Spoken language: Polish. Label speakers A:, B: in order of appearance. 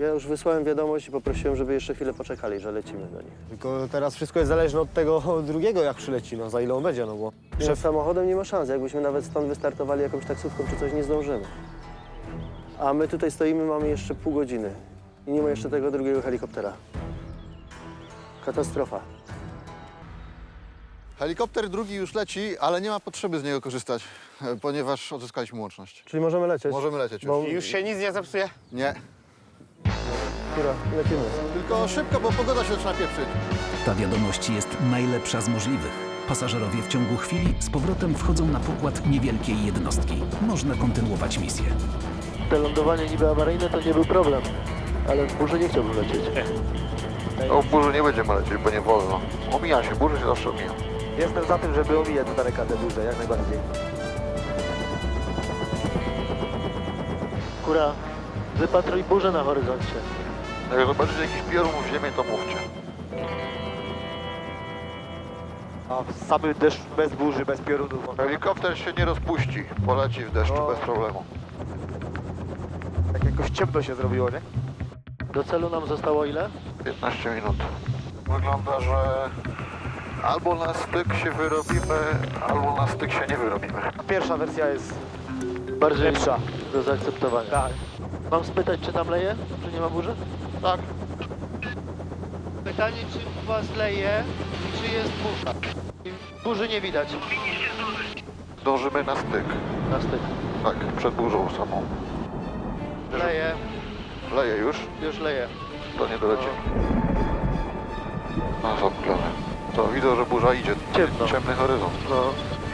A: Ja już wysłałem wiadomość i poprosiłem, żeby jeszcze chwilę poczekali, że lecimy do nich.
B: Tylko teraz wszystko jest zależne od tego drugiego, jak przyleci, no za ile on będzie, no bo...
A: Szef samochodem nie ma szans. Jakbyśmy nawet stąd wystartowali jakąś taksówką czy coś, nie zdążymy. A my tutaj stoimy, mamy jeszcze pół godziny. I nie ma jeszcze tego drugiego helikoptera. Katastrofa.
C: Helikopter drugi już leci, ale nie ma potrzeby z niego korzystać, ponieważ odzyskaliśmy łączność.
A: Czyli możemy lecieć?
C: Możemy lecieć już.
A: Bo...
B: Już się nic nie zepsuje?
C: Nie.
A: Dobra, lecimy.
C: Tylko szybko, bo pogoda się zaczyna pieprzyć.
D: Ta wiadomość jest najlepsza z możliwych. Pasażerowie w ciągu chwili z powrotem wchodzą na pokład niewielkiej jednostki. Można kontynuować misję.
E: Te lądowanie niby awaryjne to nie był problem, ale w burzy nie chciałbym lecieć.
F: No w burzy nie będziemy lecieć, bo nie wolno. Omija się, burzy się zawsze omija.
E: Jestem za tym, żeby omijać z daleka te burze, jak najbardziej. Kura, wypatruj burzę na horyzoncie.
F: Jak zobaczycie jakiś piorun w ziemię, to mówcie.
E: A samy deszcz bez burzy, bez piorunów.
F: Helikopter się nie rozpuści, poleci w deszczu
E: No.
F: bez problemu.
E: Tak jakoś ciemno się zrobiło, nie? Do celu nam zostało ile?
F: 15 minut. Wygląda, że albo na styk się wyrobimy, albo na styk się nie wyrobimy.
E: Pierwsza wersja jest bardziej lepsza do zaakceptowania. Tak. Mam spytać, czy tam leje? Czy nie ma burzy?
F: Tak.
G: Pytanie, czy u was leje i czy jest burza? Burzy nie widać.
F: Dążymy na styk.
E: Na styk.
F: Tak, przed burzą samą.
G: Leje,
F: Leje już,
G: już leje.
F: to nie doleci. No zamglone. To widzę, że burza idzie.
E: Ciemno.
F: Ciemny horyzont.
E: No.